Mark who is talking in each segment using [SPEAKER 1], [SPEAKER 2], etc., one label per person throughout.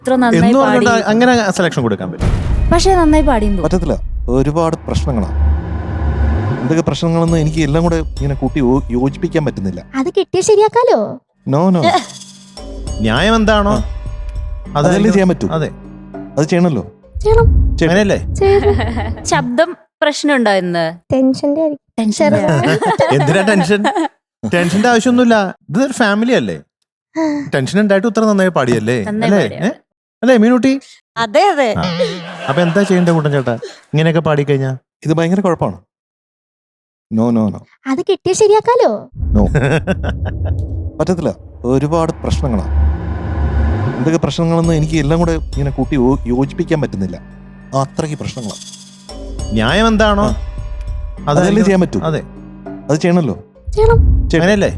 [SPEAKER 1] ഇത്ര നന്നായി പാടി.
[SPEAKER 2] അങ്ങനെ സെലക്ഷൻ കൊടുക്കാൻ പറ്റും.
[SPEAKER 1] പക്ഷെ നന്നായി പാടിയെന്ന്
[SPEAKER 3] പറ്റത്തില്ല. ഒരുപാട് പ്രശ്നങ്ങളാണ്. എന്തൊക്കെ പ്രശ്നങ്ങളൊന്നും എനിക്ക് എല്ലാം കൂടെ ഇങ്ങനെ കൂട്ടി യോജിപ്പിക്കാൻ പറ്റുന്നില്ല.
[SPEAKER 4] അത് കിട്ടിയ ശരിയാക്കാലോ.
[SPEAKER 3] നോ നോ,
[SPEAKER 2] ന്യായം എന്താണോ
[SPEAKER 3] അതല്ലേ ചെയ്യാൻ പറ്റൂ.
[SPEAKER 2] അതെ,
[SPEAKER 3] അത് ചെയ്യണല്ലോ.
[SPEAKER 4] ചെയ്യണം.
[SPEAKER 2] അങ്ങനെയല്ലേ?
[SPEAKER 1] ശബ്ദം പ്രശ്നമുണ്ടോ ഇന്ന്?
[SPEAKER 4] ടെൻഷന്റെ
[SPEAKER 1] ടെൻഷൻ
[SPEAKER 2] എന്തിനാ ടെൻഷൻ? ടെൻഷന്റെ ആവശ്യമൊന്നുമില്ല. ഇതൊരു ഫാമിലി അല്ലേ? ടെൻഷൻ ഉണ്ടായിട്ട് ഇത്ര നന്നായി പാടിയല്ലേ? അല്ലേ? അല്ലേ മീനുട്ടി?
[SPEAKER 5] അതെ അതെ.
[SPEAKER 2] അപ്പൊ എന്താ ചെയ്യേണ്ട കൂട്ടൻ ചേട്ടാ ഇങ്ങനെയൊക്കെ പാടിക്കഴിഞ്ഞാ?
[SPEAKER 3] ഇത് ഭയങ്കര കുഴപ്പമാണ്. നോ നോ നോ,
[SPEAKER 4] അത് കിട്ടിയ ശരിയാക്കാലോ.
[SPEAKER 3] നോ പറ്റത്തില്ല. ഒരുപാട് പ്രശ്നങ്ങളാണ്. എന്തൊക്കെ പ്രശ്നങ്ങളൊന്നും എനിക്ക് എല്ലാം കൂടെ ഇങ്ങനെ കൂട്ടി യോജിപ്പിക്കാൻ പറ്റുന്നില്ല. അത്രയ്ക്ക് പ്രശ്നങ്ങളാണ്.
[SPEAKER 2] ന്യായം എന്താണോ
[SPEAKER 3] അതല്ലേ ചെയ്യാൻ പറ്റൂ.
[SPEAKER 2] അതെ,
[SPEAKER 3] അത് ചെയ്യണല്ലോ.
[SPEAKER 4] ചെയ്യണം.
[SPEAKER 2] അങ്ങനെയല്ലേ?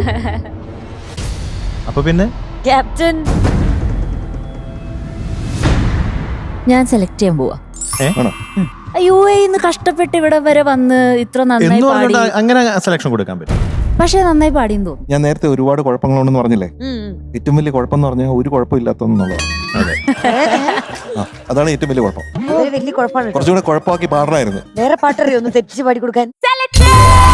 [SPEAKER 2] അപ്പൊ പിന്നെ
[SPEAKER 5] ക്യാപ്റ്റൻ
[SPEAKER 1] ഞാൻ സെലക്ട് ചെയ്യാൻ പോവാ.
[SPEAKER 3] ആണോ?
[SPEAKER 1] യുഎഇന്ന് കഷ്ടപ്പെട്ട് ഇവിടെ വരെ വന്ന് ഇത്ര നന്നായി പാടി.
[SPEAKER 2] അങ്ങനെ സെലക്ഷൻ കൊടുക്കാൻ പറ്റും.
[SPEAKER 1] പക്ഷെ നന്നായി പാടിയെന്ന് തോന്നുന്നു.
[SPEAKER 3] ഞാൻ നേരത്തെ ഒരുപാട് കുഴപ്പങ്ങളുണ്ടെന്ന് പറഞ്ഞില്ലേ? ഏറ്റവും വലിയ കുഴപ്പം എന്ന് പറഞ്ഞാൽ ഒരു കുഴപ്പമില്ലാത്തതെന്നുള്ളതാണ്. അതാണ് ഏറ്റവും വലിയ കുഴപ്പം.
[SPEAKER 5] വലിയ കുഴപ്പമാണ്.
[SPEAKER 3] കുറച്ചുകൂടെ കുഴപ്പമാക്കി പാടണമായിരുന്നു.
[SPEAKER 5] വേറെ പാട്ടറിയോ ഒന്ന് തെറ്റിച്ച് പാടി കൊടുക്കാൻ.